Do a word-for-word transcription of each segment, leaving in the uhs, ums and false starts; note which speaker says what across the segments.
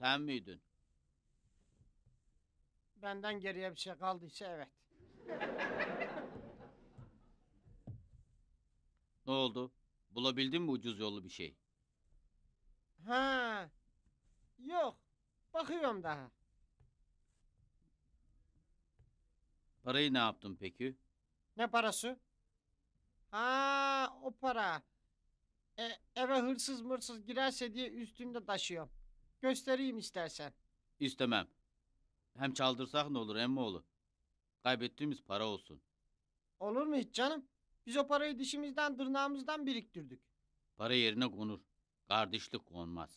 Speaker 1: Sen miydin?
Speaker 2: Benden geriye bir şey kaldıysa evet.
Speaker 1: Ne oldu? Bulabildin mi ucuz yollu bir şey?
Speaker 2: Ha, yok. Bakıyorum daha.
Speaker 1: Parayı ne yaptın peki?
Speaker 2: Ne parası? Ha, o para. E, eve hırsız mırsız girerse diye üstümde taşıyorum. Göstereyim istersen.
Speaker 1: İstemem. Hem çaldırsak ne olur emmoğlu? Kaybettiğimiz para olsun.
Speaker 2: Olur mu hiç canım? Biz o parayı dişimizden tırnağımızdan biriktirdik.
Speaker 1: Para yerine konur. Kardeşlik konmaz.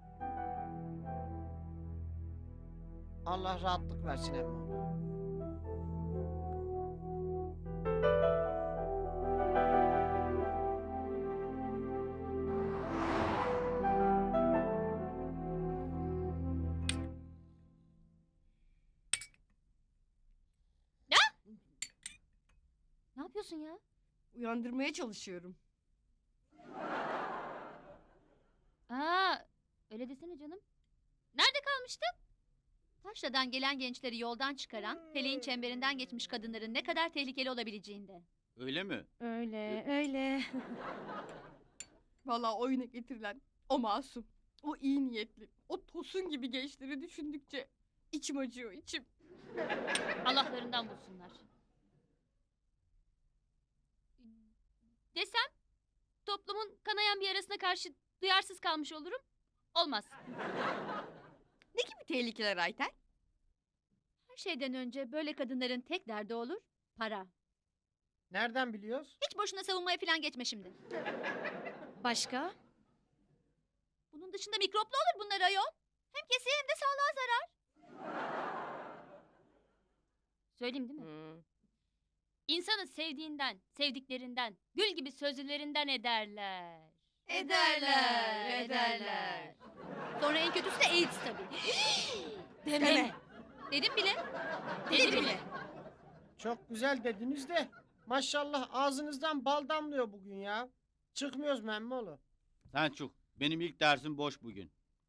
Speaker 2: Allah rahatlık versin emmi.
Speaker 3: Ne yapıyorsun ya?
Speaker 4: Uyandırmaya çalışıyorum.
Speaker 3: Aa, öyle desene canım. Nerede kalmıştık? Taşra'dan gelen gençleri yoldan çıkaran, feleğin çemberinden geçmiş kadınların ne kadar tehlikeli olabileceğinde.
Speaker 1: Öyle mi?
Speaker 5: Öyle, öyle.
Speaker 4: Vallahi oyuna getirilen o masum, o iyi niyetli, o tosun gibi gençleri düşündükçe içim acıyor, içim.
Speaker 3: Allah'larından bulsunlar. Desem, toplumun kanayan bir yarasına karşı duyarsız kalmış olurum. Olmaz.
Speaker 4: Ne gibi tehlikeler Ayten?
Speaker 3: Her şeyden önce böyle kadınların tek derdi olur, para.
Speaker 2: Nereden biliyoruz?
Speaker 3: Hiç boşuna savunmaya falan geçme şimdi.
Speaker 5: Başka?
Speaker 3: Bunun dışında mikroplu olur bunlar ayol. Hem kesiye hem de sağlığa zarar. Söyleyeyim değil mi?
Speaker 4: Hmm.
Speaker 3: İnsanı sevdiğinden, sevdiklerinden, gül gibi sözlülerinden ederler.
Speaker 4: Ederler, ederler.
Speaker 3: Sonra en kötüsü de AIDS tabii.
Speaker 4: Deme.
Speaker 3: Dedim bile.
Speaker 4: Dedi bile.
Speaker 2: Çok güzel dediniz de maşallah ağzınızdan bal damlıyor bugün ya. Çıkmıyoruz mu emmoğlu?
Speaker 1: Sen çık. Benim ilk dersim boş bugün.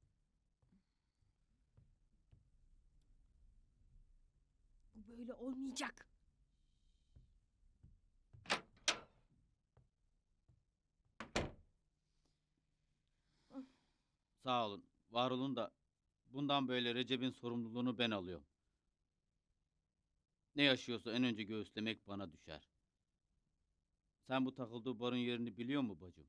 Speaker 4: Bu böyle olmayacak.
Speaker 1: Sağ olun. Var olun da bundan böyle Recep'in sorumluluğunu ben alıyorum. Ne yaşıyorsa en önce göğüslemek bana düşer. Sen bu takıldığı barın yerini biliyor mu bacım?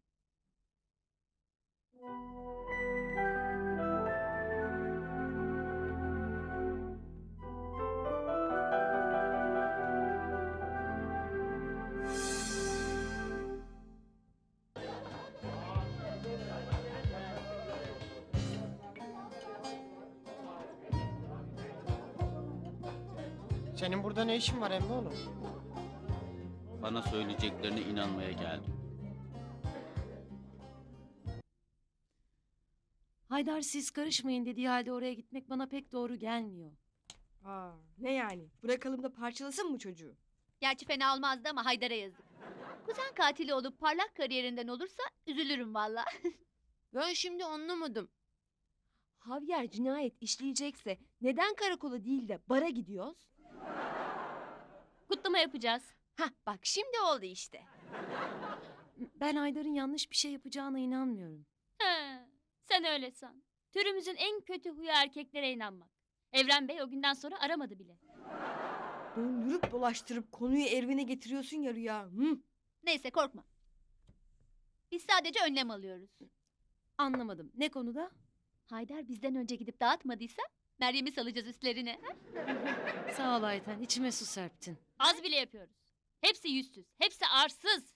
Speaker 2: Senin burada ne işin var emmoğlu?
Speaker 1: Bana söyleyeceklerine inanmaya geldim.
Speaker 5: Haydar siz karışmayın dediği halde oraya gitmek bana pek doğru gelmiyor.
Speaker 4: Aa, ne yani? Bırakalım da parçalasın mı çocuğu?
Speaker 3: Gerçi fena olmazdı ama Haydar'a yazık. Kuzen katili olup parlak kariyerinden olursa üzülürüm valla.
Speaker 6: Ben şimdi anlamadım. Javier cinayet işleyecekse neden karakola değil de bara gidiyoruz?
Speaker 3: Kutlama yapacağız.
Speaker 6: Hah bak şimdi oldu işte.
Speaker 5: Ben Haydar'ın yanlış bir şey yapacağına inanmıyorum.
Speaker 3: He, sen öyle san. Türümüzün en kötü huyu erkeklere inanmak. Evren Bey o günden sonra aramadı bile.
Speaker 4: Döndürüp dolaştırıp konuyu Ervin'e getiriyorsun ya Rüya. Hı?
Speaker 3: Neyse korkma. Biz sadece önlem alıyoruz.
Speaker 5: Anlamadım. Ne konuda?
Speaker 3: Haydar bizden önce gidip dağıtmadıysa Meryem'i salacağız üstlerine.
Speaker 5: Sağ ol Ayten. İçime su serptin.
Speaker 3: Az bile yapıyoruz. Hepsi yüzsüz, hepsi arsız.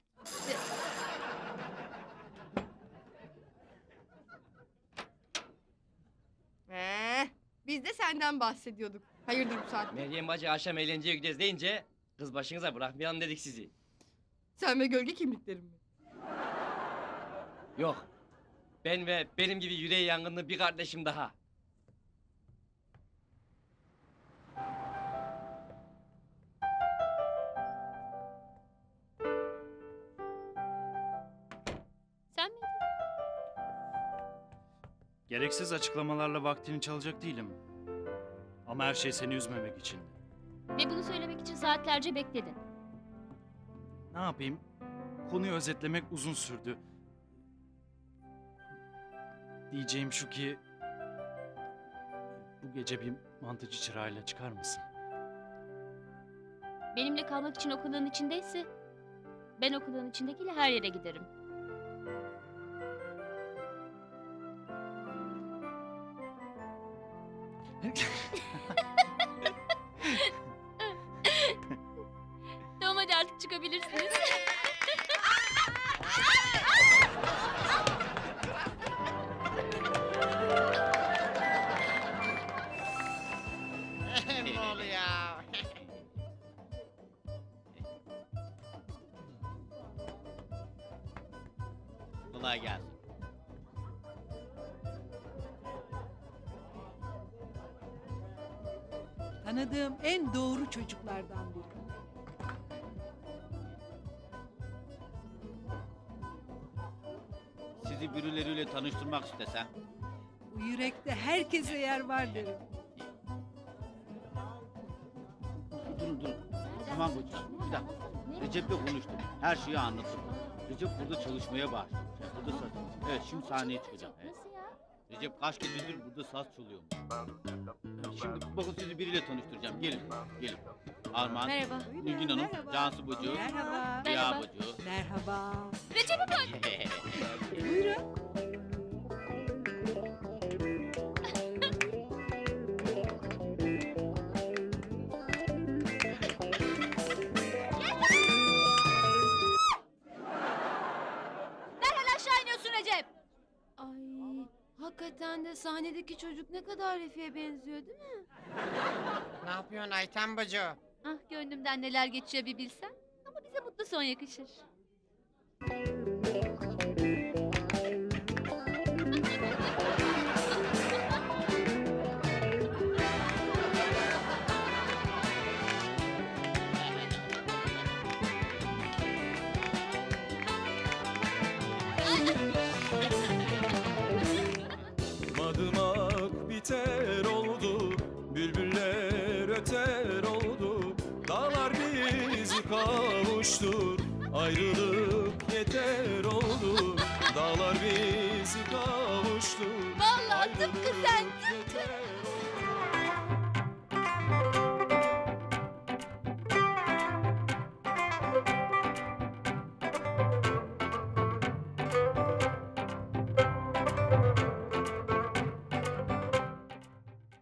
Speaker 4: Ee, biz de senden bahsediyorduk. Hayırdır bu saatte?
Speaker 7: Meryem bacı akşam eğlenceye gideceğiz deyince kız başınıza bırakmayalım dedik sizi.
Speaker 4: Sen ve gölge kimliklerin mi?
Speaker 7: Yok. Ben ve benim gibi yüreği yangınlı bir kardeşim daha.
Speaker 3: Sen miydin?
Speaker 8: Gereksiz açıklamalarla vaktini çalacak değilim. Ama her şey seni üzmemek için.
Speaker 3: Ve bunu söylemek için saatlerce bekledin.
Speaker 8: Ne yapayım? Konuyu özetlemek uzun sürdü. Diyeceğim şu ki... Bu gece bir mantıcı çırağıyla çıkar mısın?
Speaker 3: Benimle kalmak için o kılığın içindeyse ben o kılığın içindekiyle her yere giderim. Tamam hadi artık çıkabilirsiniz.
Speaker 2: ne oluyor?
Speaker 1: Kolay gelsin.
Speaker 9: Tanıdığım en doğru çocuklardan biri.
Speaker 1: Sizi birileriyle tanıştırmak istesem.
Speaker 9: Bu yürekte herkese yer var derim.
Speaker 1: Durun durun. Tamam hocam. Bir dakika. Recep'le konuştum. Her şeyi anlattım. Recep burada çalışmaya başlamış. Burada saz. Evet şimdi sahneye çıkacağım. Evet.
Speaker 3: Nasıl ya?
Speaker 1: Recep kaç gecedir burada saz çalıyor. Şimdi bakın sizi biriyle tanıştıracağım. Gelin. Gelin. Armağan.
Speaker 3: Merhaba.
Speaker 1: Nilgün Hanım.
Speaker 9: Merhaba.
Speaker 1: Cansu Bucu.
Speaker 9: Merhaba.
Speaker 1: Rüya
Speaker 3: Merhaba.
Speaker 1: Bucu.
Speaker 9: Merhaba.
Speaker 3: Recep'e bak.
Speaker 9: Buyurun.
Speaker 3: Derhal aşağı iniyorsun Recep.
Speaker 6: Ay, hakikaten de sahnedeki çocuk ne kadar Refik'e benziyor değil mi?
Speaker 2: ne yapıyorsun Ayten bacı?
Speaker 3: Ah gönlümden neler geçiyor bir bilsen. Ama bize mutlu son yakışır.
Speaker 10: Madımak biter oldu, bülbüller öter oldu. Dağlar bizi kavuştur, ayrılık yeter oldu. Dağlar bizi kavuştur.